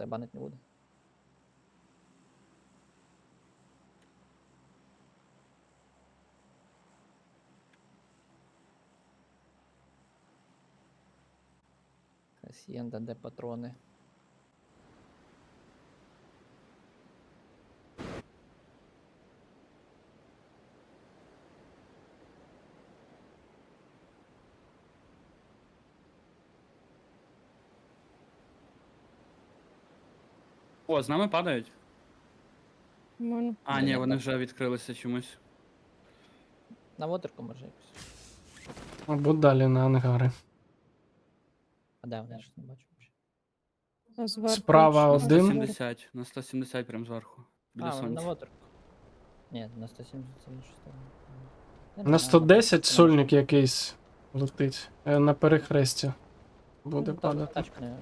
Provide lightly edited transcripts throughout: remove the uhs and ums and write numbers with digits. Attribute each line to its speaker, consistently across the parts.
Speaker 1: тебе банить не буде. Хасієнда, де патрони.
Speaker 2: О, з нами падають.
Speaker 3: Нормально.
Speaker 2: А,
Speaker 1: Ні,
Speaker 2: ні,
Speaker 1: ні,
Speaker 2: вони
Speaker 1: так.
Speaker 2: вже відкрилися чомусь.
Speaker 1: На вотерку може якось.
Speaker 4: Або далі на ангари.
Speaker 1: А де вони? Я щось не бачу взагалі.
Speaker 3: А зверху
Speaker 4: Справа
Speaker 3: що?
Speaker 2: На
Speaker 4: один.
Speaker 2: 170, на 170 прям зверху. Біля
Speaker 1: А, вони на
Speaker 2: сонця.
Speaker 1: вотерку. Ні, на 170 це на 6.
Speaker 4: На 110 сольник якийсь летить. На перехресті буде падати.
Speaker 1: Тачку не...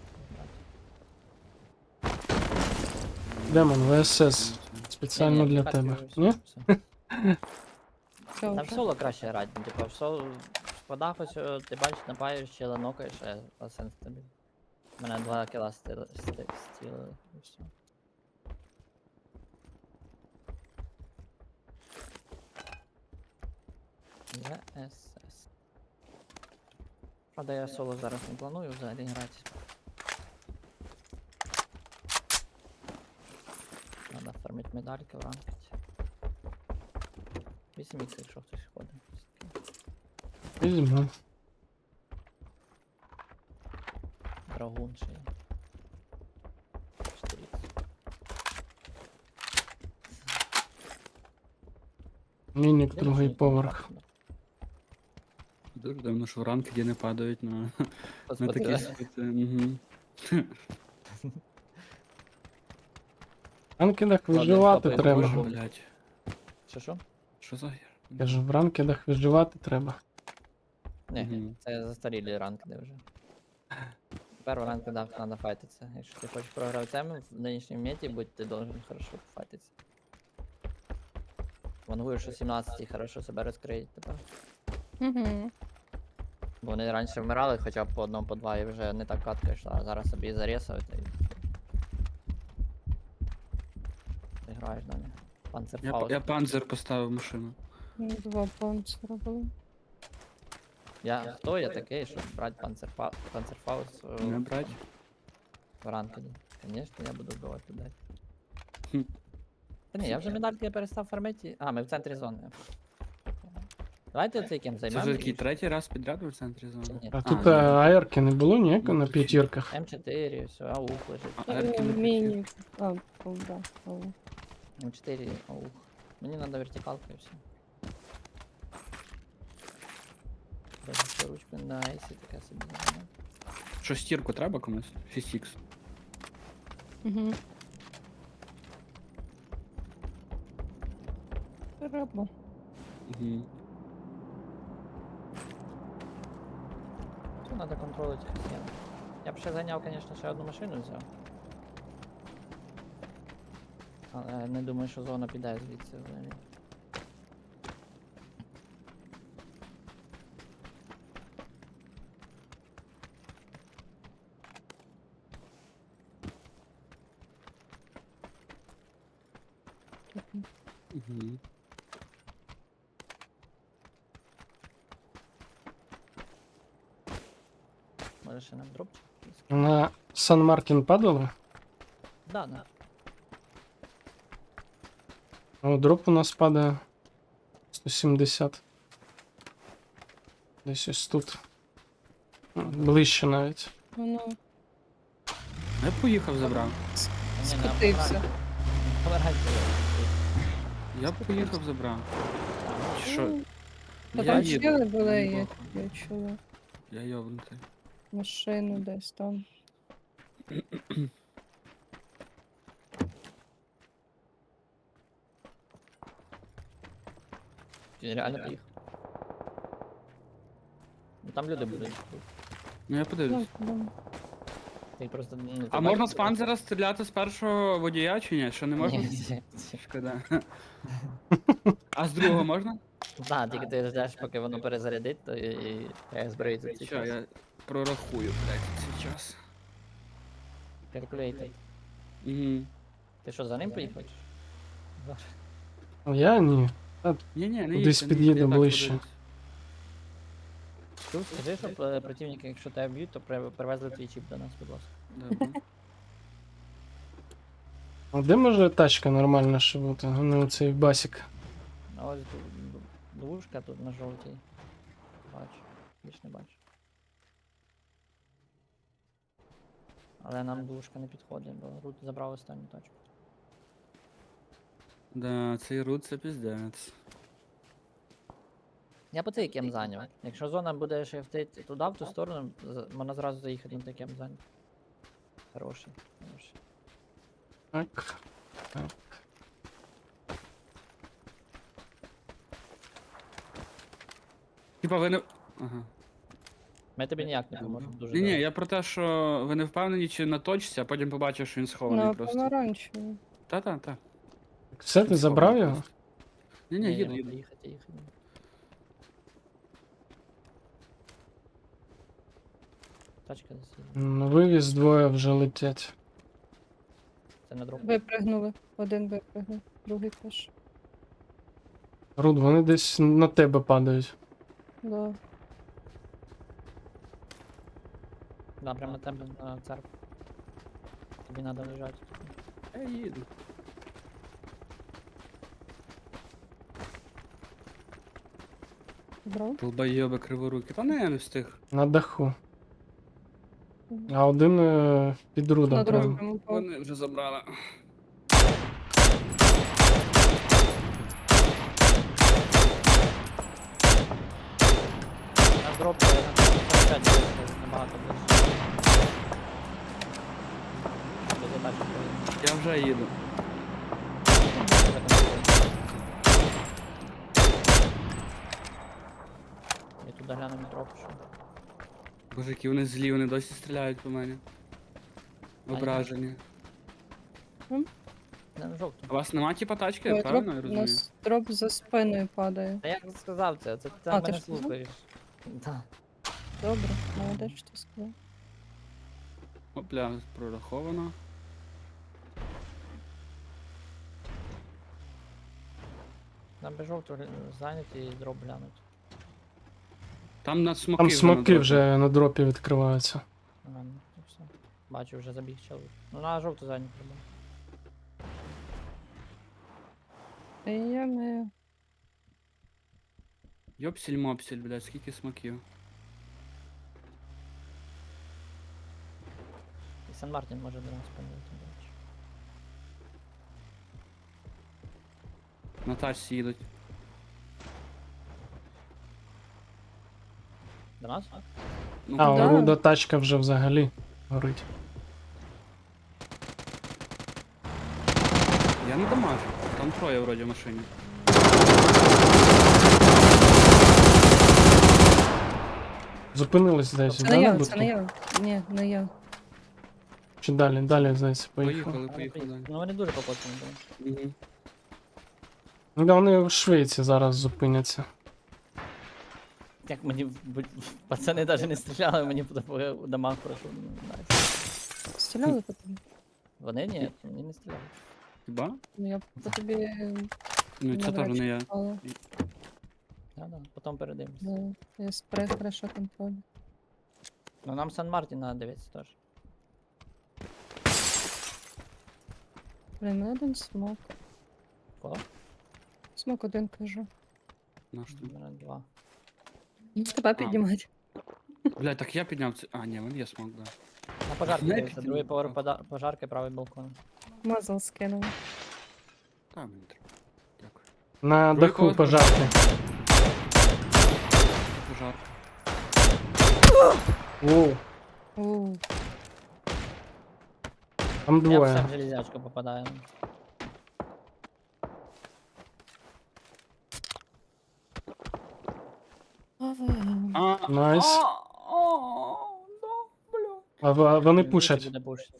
Speaker 4: Демон, ВСС. Спеціально для тебе. Ні?
Speaker 3: Все
Speaker 1: Там в
Speaker 3: вже.
Speaker 1: соло краще грати, ну, типу, в соло спадав ось, ти бачиш, напаєш, чела нокаєш, а сенс тобі. У мене 2 кіла стілили, і все. ВСС. Правда, я соло зараз не планую взагалі грати. Надо фармити медальки в ранкеті. 8 х, якщо хтось ходить.
Speaker 4: Візьму.
Speaker 1: Драгун ще є. 4 х.
Speaker 4: Мінік,
Speaker 1: Де
Speaker 4: другий
Speaker 1: ніхто не
Speaker 4: поверх.
Speaker 1: бачить?
Speaker 2: Дуже дивно, що в ранки не падають на такі
Speaker 1: Господи,
Speaker 2: спити. Угу.
Speaker 4: В ранкедах
Speaker 1: Ладно,
Speaker 4: виживати
Speaker 1: капає,
Speaker 4: треба.
Speaker 1: боже.
Speaker 2: Блять.
Speaker 1: Що?
Speaker 2: Що за гір?
Speaker 4: Кажу, в ранкедах виживати треба.
Speaker 1: Ні,
Speaker 2: Мгм.
Speaker 1: це застарілі ранки вже. Тепер в ранки треба файтитися. Якщо ти хочеш програти тему в нинішньому меті, будь ти должен хорошо пофайтитися. Вангую, що 17 хорошо себе розкриють тепер.
Speaker 3: Угу.
Speaker 1: Бо вони раніше вмирали хоча б по одному, по два і вже не так катка йшла, а зараз собі зарісають і... Ти граєш далі. Панцерфаust.
Speaker 2: Я панзер поставив машину.
Speaker 3: 2 панцира було.
Speaker 1: Хто я такий, щоб брати панцерфаус
Speaker 2: Не брать?
Speaker 1: в ранкеді? Звісно, я буду вбивати людей.
Speaker 2: Хм.
Speaker 1: Та ні, я вже медальки перестав фармити. А, ми в центрі зони. Давайте цей кем
Speaker 2: Це
Speaker 1: займемо.
Speaker 2: вже який третій раз підряд ви в центрі зони?
Speaker 1: Ні.
Speaker 4: А
Speaker 2: А,
Speaker 4: тут
Speaker 2: ні.
Speaker 4: аерки не було ніяко на
Speaker 2: Ну,
Speaker 4: п'ятірках.
Speaker 1: М4, все, аух лежить.
Speaker 2: А ерки не
Speaker 3: Міні. А, да.
Speaker 1: М4, аух. Мені треба вертикалка і все. Даже ручку на айсі таке собі займаю.
Speaker 2: Що, стірку треба комусь? 6х.
Speaker 3: Угу. Треба.
Speaker 2: Угу.
Speaker 1: Тут треба контролити хасієн. Я б ще зайняв, звісно, ще одну машину взяв. Але не думаю, що зона піде звідси взагалі.
Speaker 2: Угу.
Speaker 1: Може ще нам дропчик? якийсь?
Speaker 4: На Сан-Мартін падали?
Speaker 1: Да, да.
Speaker 4: О, дроп у нас падає 170. Десь ось тут. Ближче навіть.
Speaker 3: Воно
Speaker 2: Я поїхав, забрав.
Speaker 3: скотився.
Speaker 1: Помирайте.
Speaker 2: Я поїхав, забрав. Чи що?
Speaker 3: Та
Speaker 2: Я
Speaker 3: там
Speaker 2: їду.
Speaker 3: чили були,
Speaker 2: Мені
Speaker 3: я
Speaker 2: похуй.
Speaker 3: чула.
Speaker 2: Я йобнутий.
Speaker 3: Машину десь там.
Speaker 1: Він реально поїхав. Ну там люди будуть.
Speaker 2: Ну я подивлюсь.
Speaker 3: Да.
Speaker 1: Ти просто, ну, ти
Speaker 2: А можна
Speaker 1: бачиш,
Speaker 2: з панзера стріляти з першого водія чи ні? Що не можна?
Speaker 1: Ні.
Speaker 2: Шкода. А з другого можна?
Speaker 1: Да, тільки ти ждеш, поки воно перезарядить, то і треба зброїти цей
Speaker 2: Що,
Speaker 1: час.
Speaker 2: я прорахую, блядь, цей час.
Speaker 1: Calculated.
Speaker 2: Угу.
Speaker 1: Ти що, за ним поїхав? чи що?
Speaker 4: А я ні.
Speaker 2: Ні-ні, не
Speaker 4: Кудись
Speaker 2: їдьте, не
Speaker 4: під'їду
Speaker 2: їдьте, я так
Speaker 4: ближче.
Speaker 2: подивлюсь.
Speaker 1: Чув, скажи, щоб противники, якщо тебе б'ють, то привезли твій чіп до нас, будь ласка.
Speaker 2: Добре.
Speaker 4: А де може тачка нормальна ще бути, а не оцей басік?
Speaker 1: А ось двушка тут на жовтій. Бачу. Більш не бачу. Але нам двушка не підходить, бо Рут забрав останню точку.
Speaker 2: Да, цей рут це піздець.
Speaker 1: Я по цей кем зайняв. Якщо зона буде шифтити туди, в ту сторону, можна зразу заїхати на той кем зайняв. Хороший, хороший.
Speaker 4: Так.
Speaker 2: Типа ви не. Ага.
Speaker 1: Ми тобі ніяк не поможемо дуже.
Speaker 2: Ні,
Speaker 1: добре.
Speaker 2: я про те, що ви не впевнені, чи на точці, а потім побачив, що він схований
Speaker 3: На
Speaker 2: просто.
Speaker 3: помаранчеву.
Speaker 2: Та-та-та.
Speaker 4: Все, ти забрав його?
Speaker 2: Ні, їду,
Speaker 1: Ні,
Speaker 2: їду.
Speaker 1: їхати. Тачка десь їде.
Speaker 4: Вивіз двоє вже летять.
Speaker 1: Це не дроп.
Speaker 3: Випригнули. Один випригнув, другий теж.
Speaker 4: Руд, вони десь на тебе падають.
Speaker 3: Да.
Speaker 1: Да, прямо на тебе на церкву. Тобі треба лежати.
Speaker 2: Я їду.
Speaker 3: Брав?
Speaker 2: Долбойоби криворуки. Та не, я не встиг.
Speaker 4: На даху. А один під рудом
Speaker 3: На
Speaker 4: прямо.
Speaker 3: другому впав.
Speaker 2: Вони вже забрали.
Speaker 1: На дроп на 45 набагато ближче. До тачки поїде.
Speaker 2: Я вже їду.
Speaker 1: Я туди гляну метро пишу.
Speaker 2: Боже, які вони злі, вони досі стріляють по мені. Ображені.
Speaker 1: Не, на жовту.
Speaker 2: А у вас нема типа тачки,
Speaker 3: Ой,
Speaker 2: правильно я
Speaker 3: у
Speaker 2: розумію?
Speaker 3: нас дроп за спиною падає.
Speaker 1: Та я сказав це, ти
Speaker 3: А, ти
Speaker 1: мене
Speaker 3: ж сказав?
Speaker 1: слухаєш. Да.
Speaker 3: Добре, молодець, що ти сказав.
Speaker 2: Опля, прораховано.
Speaker 1: Нам би жовту зайняти і дроп глянуть.
Speaker 2: Там на смоки.
Speaker 4: Там
Speaker 2: вже
Speaker 4: смоки
Speaker 2: надо.
Speaker 4: вже на дропі відкриваються.
Speaker 1: Нормально, і все. Бачу, вже забіг чоловік. Ну на жовту зайняти треба.
Speaker 3: Я не...
Speaker 2: Йопсіль-мопсіль, блядь, скільки смоків.
Speaker 1: І Сан Мартін може до нас помилити, до речі.
Speaker 2: На тачці їдуть.
Speaker 1: До нас?
Speaker 2: Ну,
Speaker 4: А,
Speaker 3: Да.
Speaker 4: у Руда тачка вже взагалі горить.
Speaker 2: я не дамажу. Там троє вроді в машині.
Speaker 4: Зупинились десь,
Speaker 3: Це
Speaker 4: да,
Speaker 3: не
Speaker 4: на
Speaker 3: я,
Speaker 4: будку?
Speaker 3: це не я. Ні, не я.
Speaker 4: Чи далі, далі, здається, поїхав.
Speaker 2: Поїхали далі.
Speaker 1: Ну вони дуже покоцані були.
Speaker 2: Угу.
Speaker 4: Ну, да, вони в Швейці зараз зупиняться.
Speaker 1: Як мені пацани навіть не стріляли, мені по домах пройшов. Найс.
Speaker 3: Стріляли по тобі?
Speaker 1: Вони ні, мені не стріляли.
Speaker 2: Хіба?
Speaker 3: Ну, я по тобі
Speaker 2: Ну це
Speaker 3: навряд
Speaker 2: теж
Speaker 3: чи
Speaker 2: не я.
Speaker 3: попала.
Speaker 1: Да, потім передивимось.
Speaker 3: Да. Я спрей хорошо контроль.
Speaker 1: Ну нам Сан Мартін треба дивитися теж.
Speaker 3: Блін, мене один смок.
Speaker 1: Кого?
Speaker 3: Смок один кажу.
Speaker 2: Наш тут.
Speaker 1: Два.
Speaker 3: Ну, тебе піднімати.
Speaker 2: Блядь, так я підняв це. А, ні, він є смок, да.
Speaker 1: На пожарки
Speaker 2: Не
Speaker 1: дивиться, другий
Speaker 2: піднімав.
Speaker 1: поверх пожарки, правий балкон.
Speaker 3: Мазал скинув.
Speaker 2: Та, мені треба. Дякую.
Speaker 4: На
Speaker 2: Другий
Speaker 4: даху
Speaker 2: поверх
Speaker 4: пожарки.
Speaker 2: Пожар.
Speaker 4: Воу,
Speaker 3: Оу.
Speaker 4: там
Speaker 1: Я все
Speaker 4: двоє.
Speaker 1: в железячку попадаю.
Speaker 2: А,
Speaker 4: Найс.
Speaker 2: да, бля.
Speaker 4: Вони
Speaker 1: Він
Speaker 4: пушать.
Speaker 1: буде пушити.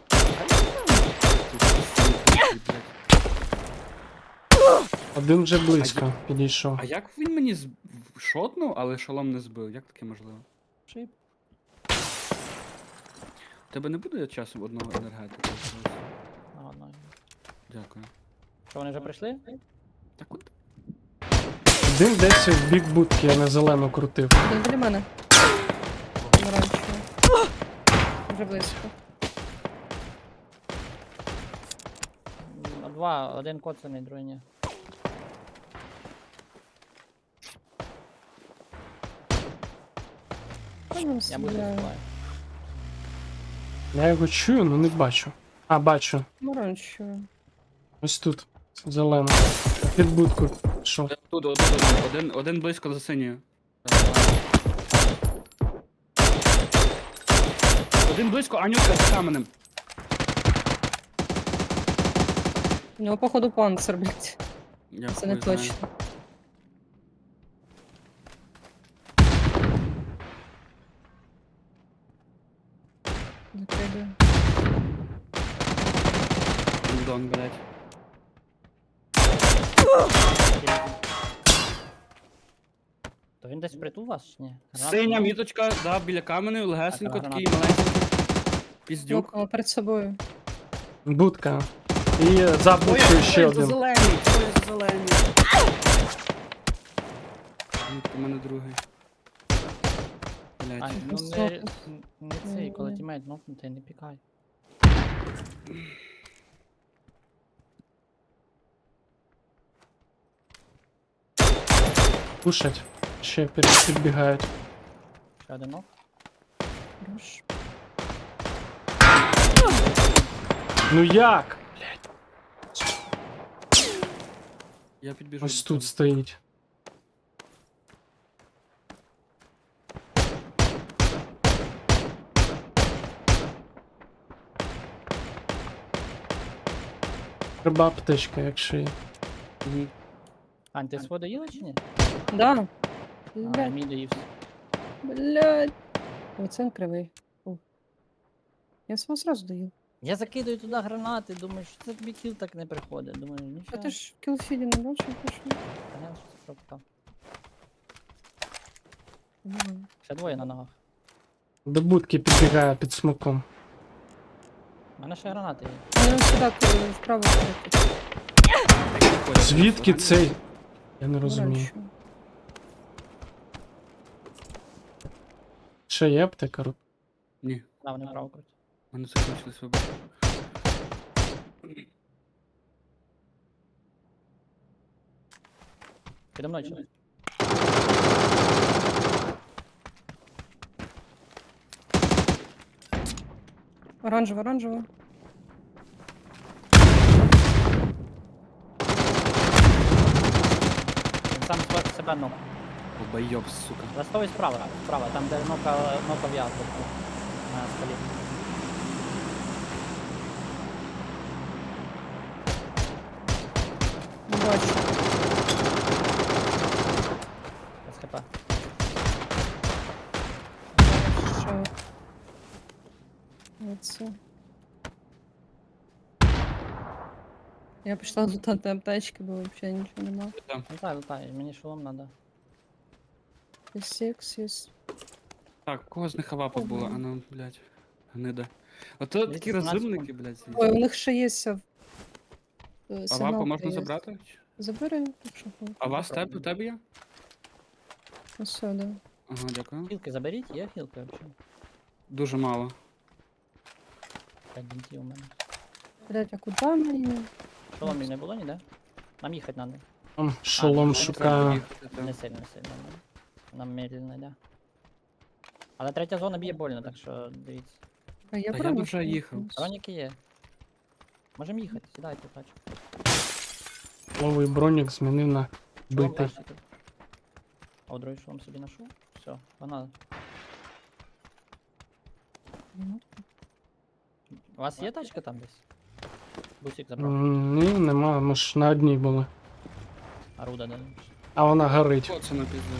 Speaker 4: Один вже близько підійшов.
Speaker 2: А як він мені шотнув, але шолом не збив? Як таке можливо?
Speaker 1: Шип.
Speaker 2: Тебе не буде часом одного енергетика?
Speaker 1: Ладно.
Speaker 2: Дякую.
Speaker 1: Що, вони вже прийшли?
Speaker 2: Так от.
Speaker 4: Один десь в бік будки, я на зелену крутив.
Speaker 3: Один біля мене. Помаранчево. Вже близько.
Speaker 1: Два, один коцаний, другий ні.
Speaker 3: Та ну,
Speaker 1: Я буду
Speaker 3: стріляю.
Speaker 1: збиваю.
Speaker 4: Я його чую, але не бачу. А, бачу.
Speaker 3: Помаранчево.
Speaker 4: Ось тут. Зелено. Під будку пішов.
Speaker 2: Тут один близько за синьою. Один близько, Анютка за каменем.
Speaker 3: У нього, походу, панцир, блядь.
Speaker 2: Я
Speaker 3: Це не
Speaker 2: хуй знаю.
Speaker 3: точно. Закидаю.
Speaker 2: Дон, блядь.
Speaker 1: То він десь впритул вас чи ні? Гранат?
Speaker 2: Синя міточка, да, біля каменю, легесенько,
Speaker 1: Так,
Speaker 2: такий
Speaker 1: гранат.
Speaker 2: маленький. Піздюк.
Speaker 3: Нокнула перед собою.
Speaker 4: Будка. І за будкою ще один.
Speaker 2: Двоє за зелені. Анютка, у мене другий.
Speaker 1: А,
Speaker 2: Блядь.
Speaker 1: ну
Speaker 3: Високо.
Speaker 1: не цей, коли
Speaker 3: Ні.
Speaker 1: тімейт нокнутий, не пікай.
Speaker 4: Кушать. Ще підбігають.
Speaker 1: Ще один нок.
Speaker 3: Хорош.
Speaker 4: Ну як?
Speaker 2: Я підбіжу.
Speaker 4: Ось
Speaker 2: до
Speaker 4: тут
Speaker 2: тебе.
Speaker 4: стоїть. Треба аптечка, якщо є.
Speaker 2: Мгм.
Speaker 1: Ань, ти свого доїла чи ні?
Speaker 3: Да.
Speaker 1: А,
Speaker 3: Блядь,
Speaker 1: мій доївся.
Speaker 3: блядь. Оце він кривий. О. Я свого сразу даю.
Speaker 1: Я закидаю туди гранати, думаю, що це тобі кіл так не приходить. Думаю,
Speaker 3: А
Speaker 1: нічого.
Speaker 3: ти ж в кілфіді не бачив, пішов?
Speaker 1: Понятно, що це пропускав. Ще двоє на ногах.
Speaker 4: До будки підбігає під смоком.
Speaker 1: У мене ще гранати є.
Speaker 3: Вони сюди вправо крутять.
Speaker 4: Звідки цей? Я не розумію.
Speaker 3: Помаранчево.
Speaker 4: Ще є аптека?
Speaker 2: Ні,
Speaker 1: Да, вони вправо крутять.
Speaker 2: в мене закінчились вибори.
Speaker 1: Підо мною чоловік.
Speaker 3: Оранжево, оранжево.
Speaker 1: Він сам себе нок.
Speaker 2: Обайоб, сука.
Speaker 1: Ластовий справа, справа, там де нокав я тут, на скалі.
Speaker 3: Не бачу.
Speaker 1: Без хп.
Speaker 3: Що? Оце. Я пішла лутати аптечки, бо взагалі нічого нема.
Speaker 2: Там.
Speaker 1: Летай, мені шолом надо.
Speaker 3: Є секс, є.
Speaker 2: Так, у кого з них авапа була?
Speaker 3: Ого.
Speaker 2: А ну, блядь. Гнида. Ото такі
Speaker 1: 217
Speaker 2: розумники, блядь,
Speaker 3: Ой,
Speaker 2: сидять.
Speaker 3: у них ще є
Speaker 2: Авапу
Speaker 3: сигнал.
Speaker 2: можна забрати?
Speaker 3: Забери, якщо хочеш.
Speaker 2: А вас тебе, у тебе є?
Speaker 3: Ось сюди.
Speaker 2: Ага, дякую.
Speaker 1: Хілки заберіть, є хілки взагалі.
Speaker 2: Дуже мало.
Speaker 1: 5 бінтів у мене.
Speaker 3: Блять, а куди мені?
Speaker 1: Шоломів не було ніде? Нам їхати треба.
Speaker 4: Там шолом
Speaker 1: ну,
Speaker 4: шукаю.
Speaker 2: Їхати, так.
Speaker 1: Не сильно, не сильно. Нам медленно йде. Але третя зона б'є больно, так що дивіться.
Speaker 3: А я
Speaker 2: Та я б
Speaker 3: правильно
Speaker 2: вже їхав.
Speaker 3: рухаюсь?
Speaker 1: Броніки є. Можемо їхати, сідайте, тачку.
Speaker 4: Новий бронік змінив на
Speaker 1: Шолом
Speaker 4: битий.
Speaker 1: краще тут. А другий шолом собі ношу. Все, погнали.
Speaker 3: Ну,
Speaker 1: У вас є тачка там десь? Бусик забрав.
Speaker 4: Ні, нема, ми ж на одній були.
Speaker 1: А руда де?
Speaker 4: А вона горить.
Speaker 2: О, це на пізду.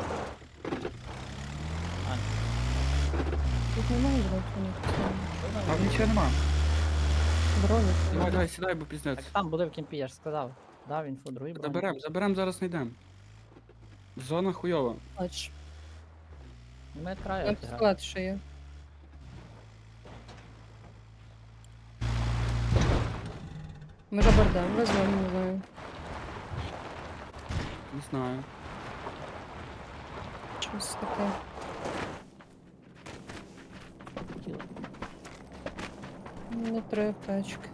Speaker 3: Тут немає блять,
Speaker 2: А нічого нема.
Speaker 3: броні.
Speaker 2: Давай, давай, сідай, бо піздець.
Speaker 1: Так там буде в кімпі, я ж сказав. Дав інфу, другий бронік.
Speaker 2: Заберем, зараз знайдемо. Зона хуйова.
Speaker 3: Бач,
Speaker 1: Ми краю
Speaker 3: там
Speaker 1: грати.
Speaker 3: склад ще є. Може бардам визвемо, не знаю.
Speaker 2: Не знаю.
Speaker 3: Щось таке.
Speaker 1: Тіло.
Speaker 3: Не три аптечки.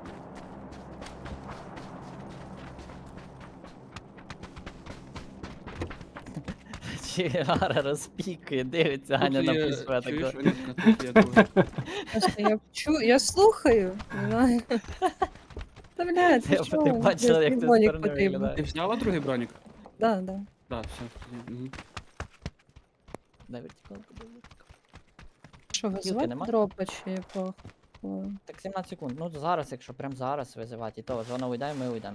Speaker 1: Чигара розпікує, дивиться, Аня
Speaker 2: Тут
Speaker 1: на
Speaker 2: є,
Speaker 1: пульсує
Speaker 2: чуєш,
Speaker 1: тако.
Speaker 2: Анютка, тут є друге.
Speaker 3: Просто я слухаю. Не знаю. Та блядь,
Speaker 1: Ти-
Speaker 3: ти
Speaker 1: ти
Speaker 3: чого?
Speaker 1: бачила,
Speaker 3: Блядь,
Speaker 1: як
Speaker 3: мені
Speaker 1: це з
Speaker 3: бронік
Speaker 1: сторони
Speaker 3: потрібен.
Speaker 1: виглядає?
Speaker 2: Ти взяла другий бронік?
Speaker 3: Да, да.
Speaker 2: Да, все. Угу.
Speaker 1: Дай вертикалку, дай вертикалку.
Speaker 3: Що,
Speaker 1: Кілки
Speaker 3: визивати
Speaker 1: нема?
Speaker 3: дропа чи пох?
Speaker 1: Так 17 секунд. Ну зараз, якщо прям зараз визивати, і то зона уйде, ми уйдемо.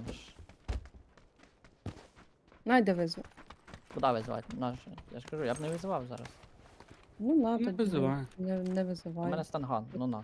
Speaker 3: Найде визвав.
Speaker 1: Куди визивати? Наше. Я ж кажу, я б не визивав зараз.
Speaker 3: Ну, на,
Speaker 2: Не
Speaker 3: тоді
Speaker 2: визивай.
Speaker 3: не
Speaker 1: У
Speaker 3: визивай.
Speaker 1: мене станган, ну на.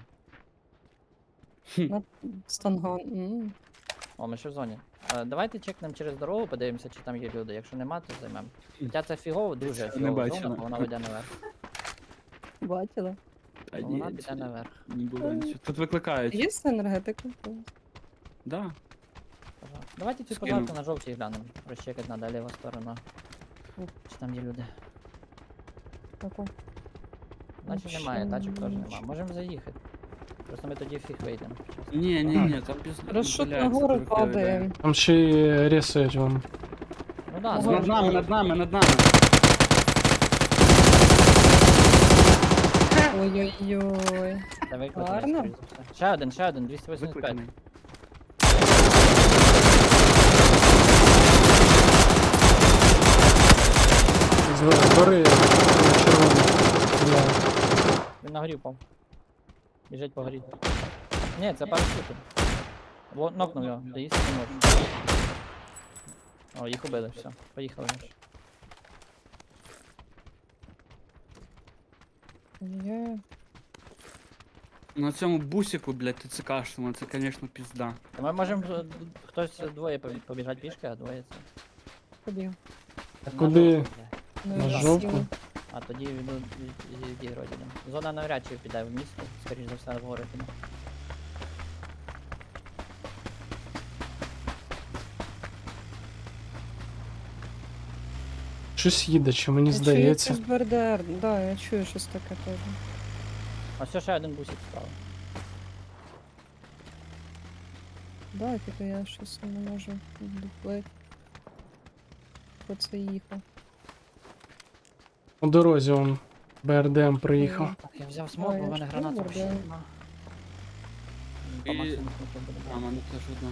Speaker 3: На станган.
Speaker 1: О, ми ще в зоні. Давайте чекнемо через дорогу, подивимося, чи там є люди. Якщо нема, то займемо. Хоча це фігово, дуже
Speaker 2: Це не
Speaker 1: фігово
Speaker 2: бачила.
Speaker 1: зона, бо вона йде наверх.
Speaker 3: Бачила.
Speaker 2: Та
Speaker 1: Бо
Speaker 2: ні,
Speaker 1: вона піде наверх.
Speaker 2: не було нічого. Тут викликають.
Speaker 3: Є з енергетика?
Speaker 2: Да.
Speaker 1: Пожалуйста. Давайте цю
Speaker 2: Скину.
Speaker 1: пожарку на жовтій глянемо. Розчекати надо ліва сторона. Чи там є люди?
Speaker 3: Таку.
Speaker 1: Наче
Speaker 3: Вообще
Speaker 1: немає, тачок теж
Speaker 3: нічого.
Speaker 1: нема. Можемо заїхати. Просто ми тоді фіг вийдемо. чесно.
Speaker 2: Ні, там без
Speaker 3: Розшут
Speaker 2: блядь,
Speaker 3: нагору
Speaker 2: це трохи
Speaker 3: падає.
Speaker 2: йде.
Speaker 4: Там ще й рісають вам.
Speaker 1: Ну да,
Speaker 3: Ага.
Speaker 1: зона
Speaker 2: Над
Speaker 1: ж
Speaker 2: нами,
Speaker 1: теж.
Speaker 2: над нами.
Speaker 3: Ой-ой-ой.
Speaker 1: Це викликаний,
Speaker 3: Гарно.
Speaker 1: скоріш за все. Ще один, 285.
Speaker 2: Викликаний.
Speaker 4: З гори червоні стріляють.
Speaker 1: Він на горі впав. Біжить по горі. Ні, це парашутом. Во, нокнув його, доїсти не можу. О, їх убили, все. Поїхали. Міш.
Speaker 3: Є.
Speaker 2: На цьому бусику, блядь, ТЦКшному, це, конечно, пізда.
Speaker 1: Та ми можемо хтось двоє побіжати пішки, а двоє це.
Speaker 3: Побіг.
Speaker 4: А
Speaker 1: На
Speaker 4: куди?
Speaker 1: жовту, бля.
Speaker 3: Ну,
Speaker 4: На
Speaker 3: і
Speaker 4: жовту?
Speaker 3: сіли.
Speaker 1: А тоді відіграти йдемо. Зона навряд чи піде в місто, скоріш за все в гори піде.
Speaker 4: Щось їде, чи мені
Speaker 3: Я чую
Speaker 4: здається.
Speaker 3: якийсь БРДР. Да, я чую щось таке теж.
Speaker 1: А все, ще один бусик став.
Speaker 3: Да, тільки я щось не можу доплити. Хто це їхав?
Speaker 4: У дорозі он БРДМ приїхав.
Speaker 1: Так, я взяв смок,
Speaker 3: А,
Speaker 1: бо в
Speaker 3: я
Speaker 1: мене
Speaker 3: ж
Speaker 1: гранат
Speaker 3: думав,
Speaker 1: взагалі
Speaker 3: да.
Speaker 1: нема. По
Speaker 2: І-
Speaker 1: максимуму смоку буде
Speaker 2: А,
Speaker 1: брати.
Speaker 2: мене теж одна.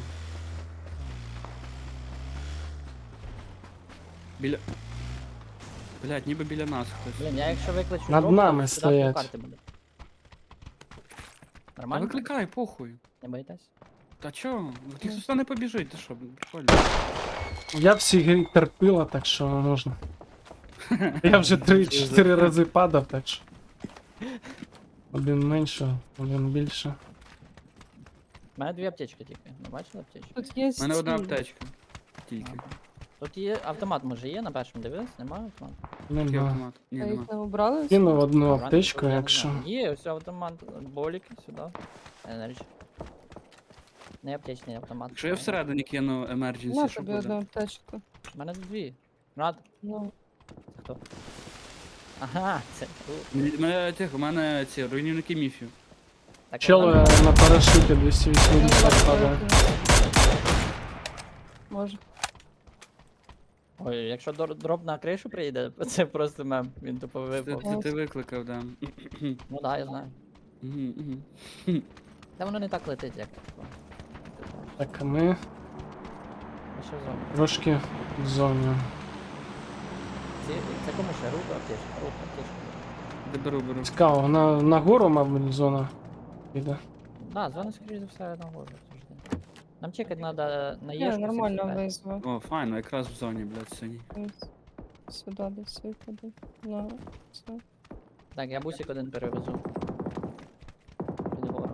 Speaker 2: Біля... Блядь, ніби біля нас хтось.
Speaker 1: Блін, я якщо викличу
Speaker 4: Над
Speaker 1: дроп, то
Speaker 4: нами
Speaker 1: сюди
Speaker 4: стоять.
Speaker 1: карти буде.
Speaker 2: Та
Speaker 1: Нормально?
Speaker 2: викликай, похуй.
Speaker 1: Не боїтесь?
Speaker 2: Та чо? Ніхто сюди не побіжить, ти що, прикольно.
Speaker 4: Я всі грі терпила, так що можна. Я вже 3-4 рази падав, так що. Один менше, один більше.
Speaker 1: У мене дві аптечки тільки. Не бачили аптечки?
Speaker 3: Тут є
Speaker 2: У мене одна
Speaker 3: ці-
Speaker 2: аптечка. Тільки.
Speaker 1: Ага. Тут є автомат, може є на першому дивились? Немає автомату?
Speaker 2: Який
Speaker 4: Нема.
Speaker 2: автомат? Ні,
Speaker 3: А
Speaker 2: нема.
Speaker 3: їх не обрали?
Speaker 4: Кинув одну
Speaker 1: Ранку,
Speaker 4: аптечку,
Speaker 1: я не
Speaker 4: якщо.
Speaker 1: знаю. Є, ось автомат, боліки сюди. Енерджі. Не аптечний автомат.
Speaker 2: Якщо я всередині кину
Speaker 3: На
Speaker 2: emergency, що
Speaker 3: тобі одну
Speaker 2: буде?
Speaker 3: аптечку.
Speaker 1: У мене дві. Рад.
Speaker 3: Ну,
Speaker 1: Це хто? Ага, це тут.
Speaker 2: У мене ці руйнівники міфів.
Speaker 1: Так,
Speaker 4: Чел
Speaker 1: вона-
Speaker 4: на парашуті
Speaker 3: ну,
Speaker 4: 280 падає.
Speaker 3: Може.
Speaker 1: Ой, якщо дроп на кришу приїде, це просто мем. Він тупо випав.
Speaker 2: Це ти викликав, да.
Speaker 1: Ну да, я знаю.
Speaker 2: Мгм, мгм.
Speaker 1: Та воно не так летить, як. типу.
Speaker 4: Так, а ми
Speaker 1: А що зробимо?
Speaker 4: трошки в зоні.
Speaker 1: Це кому ще? Руку аптечку? Руку аптечку.
Speaker 2: Де беру.
Speaker 4: Цікаво, на гору, мабуть, зона піде.
Speaker 1: Да, зона, скоріше за все, на гору завжди. Нам чекати треба на
Speaker 3: Ні,
Speaker 1: єшку.
Speaker 3: нормально
Speaker 1: 75.
Speaker 3: визвав.
Speaker 2: О, файно, якраз в зоні, блядь, синій.
Speaker 3: Сюди десь виходить. На це.
Speaker 1: Так, я бусик один перевезу. Під гору.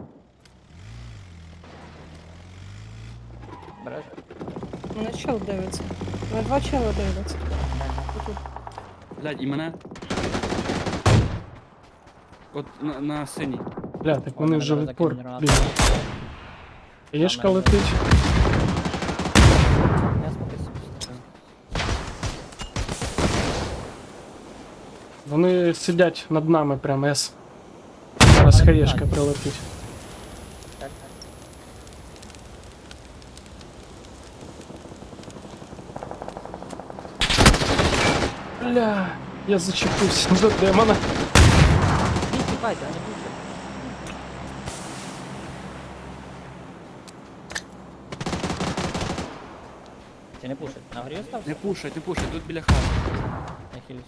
Speaker 1: Береш?
Speaker 3: Мене чел дивиться. На два чела дивляться. Тут.
Speaker 2: Блядь, і мене. От на синій.
Speaker 4: Бля, так вони
Speaker 1: Ой,
Speaker 4: вже
Speaker 1: мене
Speaker 4: відпор
Speaker 1: закинули гранату.
Speaker 4: бігають. Єшка
Speaker 1: мене
Speaker 4: летить.
Speaker 1: Я спокійся.
Speaker 4: Вони сидять над нами прям С. Зараз
Speaker 1: Але
Speaker 4: хаєшка
Speaker 1: так.
Speaker 4: прилетить.
Speaker 1: Так, так.
Speaker 4: Бля, я зачепився до демона.
Speaker 1: Ні, тікайте, а не будьте. Ти не пушить. На горі остався?
Speaker 2: Не пушай, тут біля хати.
Speaker 1: Я хилюсь.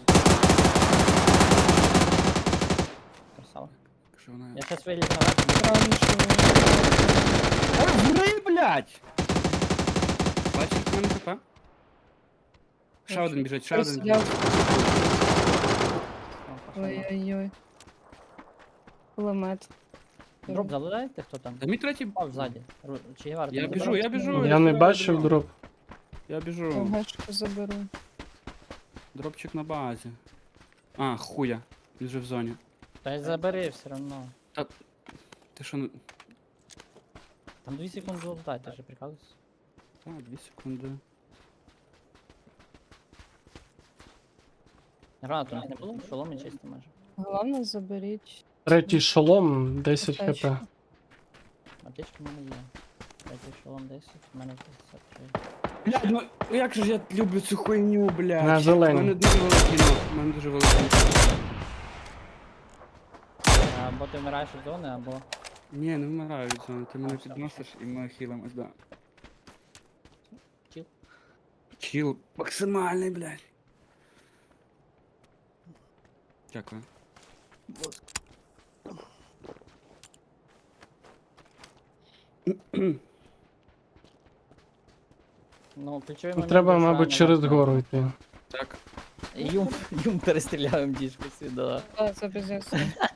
Speaker 1: Красава.
Speaker 2: Що вона?
Speaker 1: Я сейчас вилізу наверх.
Speaker 3: Странно, що
Speaker 2: Ой, гри, блядь! Бачиш, як в мене ХП? Ще
Speaker 3: Бачу.
Speaker 2: один біжить, ще один
Speaker 3: Присіляв.
Speaker 2: біжить.
Speaker 3: Ой-ой-ой. Кулемет.
Speaker 1: Дроп залутаєте, хто там?
Speaker 2: Та мій третій...
Speaker 1: Пав ззаді. Чи Євар, ти
Speaker 2: Я
Speaker 1: не
Speaker 2: біжу,
Speaker 1: забрав?
Speaker 2: я біжу.
Speaker 4: Я не
Speaker 2: стріляю,
Speaker 4: бачив
Speaker 2: біжу.
Speaker 4: дроп.
Speaker 2: Я біжу.
Speaker 3: Гешку заберу.
Speaker 2: Дропчик на базі. А, хуя. Він вже в зоні.
Speaker 1: Та й забери все одно.
Speaker 2: Ти що не...
Speaker 1: Там 2 секунди залутай, ти же прикалуєшся.
Speaker 2: Так, 2 секунди.
Speaker 1: Гранату у них не було? Шолом і чисто майже.
Speaker 3: Головне, заберіть.
Speaker 4: Третій шолом, 10 хп.
Speaker 3: Аптечку.
Speaker 1: Аптечки в мене є. Третій шолом 10, в мене 53.
Speaker 2: Блядь, ну як же ж я люблю цю хуйню, блядь.
Speaker 4: На зелені.
Speaker 2: У мене дуже великий ног, у мене дуже великий ног.
Speaker 1: Або ти вмираєш від зони, або...
Speaker 2: Ні, не вмираю від зони, ти мене
Speaker 1: все,
Speaker 2: підносиш і ми хілимось, да.
Speaker 1: Чіл.
Speaker 2: Чіл максимальний, блядь. Дякую.
Speaker 1: Ну, ключовий
Speaker 4: Ну,
Speaker 1: момент.
Speaker 4: треба,
Speaker 1: був, що
Speaker 4: мабуть,
Speaker 1: нема
Speaker 4: через
Speaker 1: кнопки.
Speaker 4: гору йти.
Speaker 2: Так.
Speaker 1: Юм перестріляємо діжку сюди.
Speaker 3: Так, це без ясно.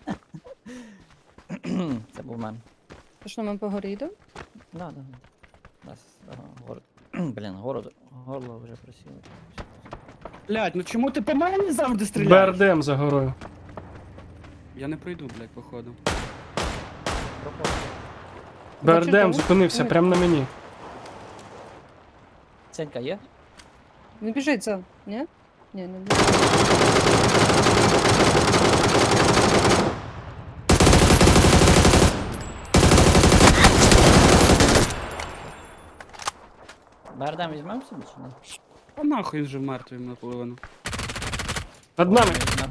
Speaker 1: Це був мен.
Speaker 3: То що, ми по горі йдемо?
Speaker 1: Да. Нас, Блін, горло вже просіло.
Speaker 2: Блядь, ну чому ти по мені завжди стріляєш?
Speaker 4: БРДМ за горою.
Speaker 2: Я не пройду, блядь, походу.
Speaker 1: Проходь.
Speaker 4: БРДМ
Speaker 3: чого?
Speaker 4: зупинився
Speaker 3: Ой.
Speaker 4: прямо на мені.
Speaker 1: Ценька є?
Speaker 3: Не біжить за. Ні? Ні, не біжить.
Speaker 1: Бардам візьмемо собі чи ні?
Speaker 2: А нахуй він вже мертвий наполовину.
Speaker 4: Над нами.
Speaker 1: Візьмемо.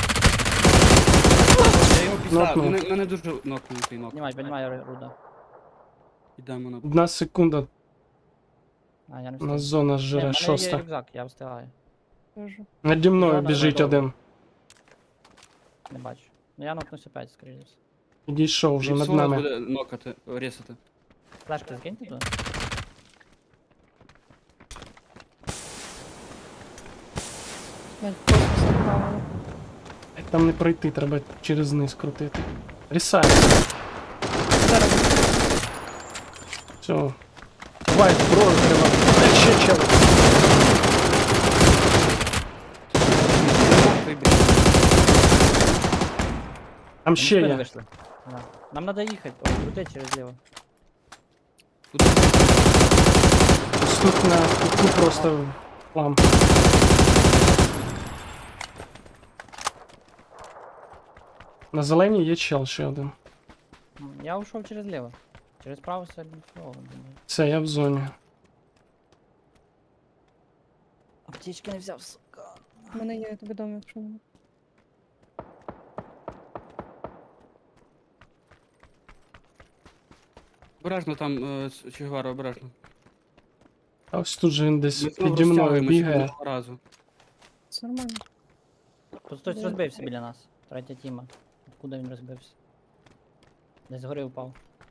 Speaker 2: Я його післав,
Speaker 4: Нокнув.
Speaker 2: мене дуже нокнутий нок.
Speaker 1: Піднімай руда.
Speaker 2: Ідемо на...
Speaker 4: 1 секунда,
Speaker 1: А, я не
Speaker 4: у
Speaker 1: встиг.
Speaker 4: нас зона
Speaker 1: Ні, в
Speaker 4: жре,
Speaker 1: мене є
Speaker 4: 6.
Speaker 1: рюкзак, я встигаю.
Speaker 3: Кажу.
Speaker 4: Наді мною
Speaker 1: Зона
Speaker 4: біжить
Speaker 1: готова.
Speaker 4: один.
Speaker 1: Не бачу. Ну я нокнусь опять, скоріше за все.
Speaker 4: Підійшов вже над
Speaker 2: Ліпсола
Speaker 4: нами.
Speaker 2: буде нокати, рісати.
Speaker 1: Флешки закиньте туди.
Speaker 3: Блядь, просто заправили.
Speaker 4: Там не пройти, треба через низ крутити. Рісай.
Speaker 3: Зараз.
Speaker 4: Все. Вайт, бро, треба. Ще чел.
Speaker 2: Нахуй, блядь.
Speaker 4: Там
Speaker 1: Вони
Speaker 4: ще
Speaker 1: спини
Speaker 4: є.
Speaker 1: вийшли. Да. Нам треба їхати, крутити через ліво.
Speaker 2: Тут
Speaker 4: Ось тут на кутку просто плам. На зеленій є чел ще один.
Speaker 1: Я ушов через ліво. Через право сьогодні всього, думаю.
Speaker 4: Все, я в зоні.
Speaker 1: Аптечки не взяв, сука.
Speaker 3: У мене є, я тобі дам, якщо не.
Speaker 2: обережно там, Чигвара, обережно.
Speaker 4: А ось тут же він десь
Speaker 2: Ми знову
Speaker 4: піді мною
Speaker 2: розтягуємося
Speaker 4: бігає.
Speaker 2: одного разу.
Speaker 3: Це нормально.
Speaker 1: Тут хтось
Speaker 3: Де?
Speaker 1: розбився біля нас. Третя тіма. Откуда він розбився? Десь згори впав.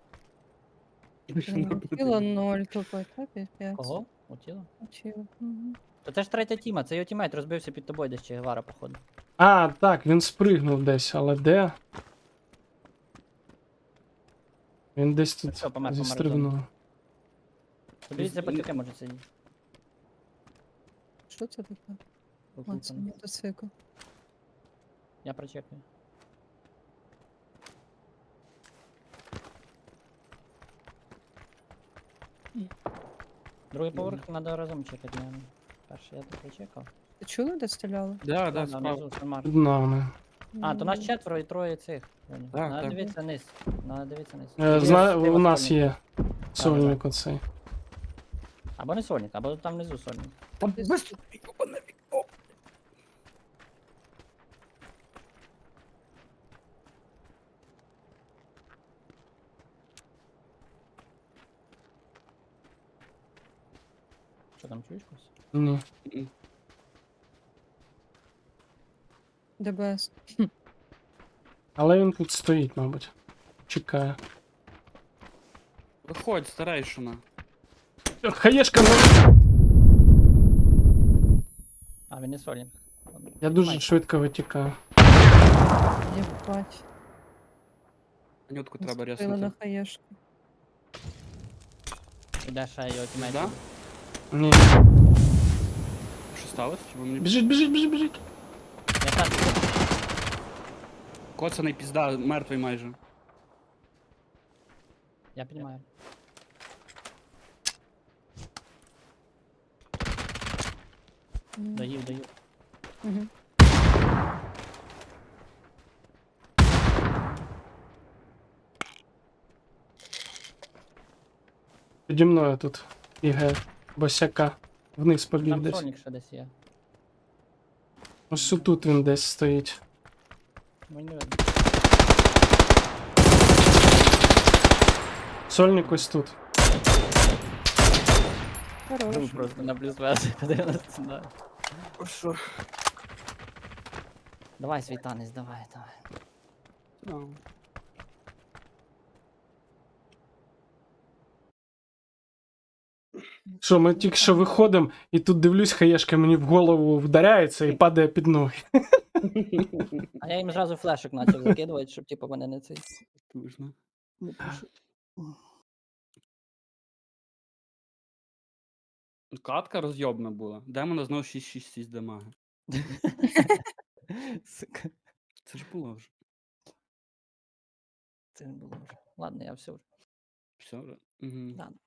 Speaker 3: Тіло 0 тупо, так? Піпець.
Speaker 1: Кого? У тіло?
Speaker 3: Тіло. Угу.
Speaker 1: То це ж третя тіма, це його тімейт розбився під тобою десь Че Гевара, походу.
Speaker 4: А, так, він спригнув десь, але де? Він десь тут
Speaker 1: Все, помер,
Speaker 4: зістрибнув.
Speaker 1: Подивіться, батьки може сидіти.
Speaker 3: Що це таке? А, це
Speaker 1: Окупаний.
Speaker 3: мотоцикл.
Speaker 1: Я прочекаю. Другий поверх треба разом чекати, наверное. Перший я тут чекав.
Speaker 3: Ти чули, де стріляли?
Speaker 2: Да, да,
Speaker 1: Да,
Speaker 2: справа.
Speaker 1: внизу, Самар.
Speaker 4: Під нами.
Speaker 1: А, то нас
Speaker 3: Ну,
Speaker 1: четверо і троє цих. Льоня.
Speaker 2: Так,
Speaker 1: Надо
Speaker 2: так.
Speaker 1: дивитися низ. Надо дивитися низ.
Speaker 4: У нас є сольник оцей.
Speaker 1: Або не сольник, або там внизу сольник.
Speaker 2: Там
Speaker 3: Десь
Speaker 2: без...
Speaker 3: тут.
Speaker 1: Що там чуєш когось?
Speaker 4: Ні.
Speaker 3: ДБС.
Speaker 4: Але він тут стоїть, мабуть. Чекає.
Speaker 2: Виходь, старейшина.
Speaker 4: Хаєшка, ну.
Speaker 1: А, він не сольник.
Speaker 4: Я дуже швидко витікаю.
Speaker 3: Єбать.
Speaker 2: Анютку треба
Speaker 3: Наступила на
Speaker 2: ряснути.
Speaker 3: хаєшку.
Speaker 1: Іде ще його тімейт.
Speaker 2: Да?
Speaker 4: Ні.
Speaker 2: Що сталося? Чи ви мені...
Speaker 4: Біжить, біжить, біжить, біжить.
Speaker 1: Я так,
Speaker 2: Коцаний пізда, мертвий майже.
Speaker 1: я піднімаю. Доїв, доїв.
Speaker 3: Угу.
Speaker 4: Піді мною тут бігає босяка. Вниз побіг
Speaker 1: Там
Speaker 4: десь.
Speaker 1: сольник ще десь є.
Speaker 4: Ось тут він десь стоїть.
Speaker 1: Ну, не видно.
Speaker 4: Сольник ось тут.
Speaker 3: Хорош.
Speaker 1: Просто на плюс версії подивимося. Да.
Speaker 2: Що?
Speaker 1: Давай, світанець, давай, давай.
Speaker 2: Ну.
Speaker 4: Що, ми тільки що виходимо, і тут дивлюсь, хаєшка мені в голову вдаряється і падає під ноги.
Speaker 1: А я їм зразу флешок почав закидувати, щоб типу мене не цей.
Speaker 2: Тужно.
Speaker 1: Не пишу.
Speaker 2: Катка розйобна була. Демона знов 666 дамаги.
Speaker 1: Сука,
Speaker 2: Це ж було вже.
Speaker 1: це не було вже. Ладно, я все вже.
Speaker 2: Все вже. Угу.
Speaker 1: Да.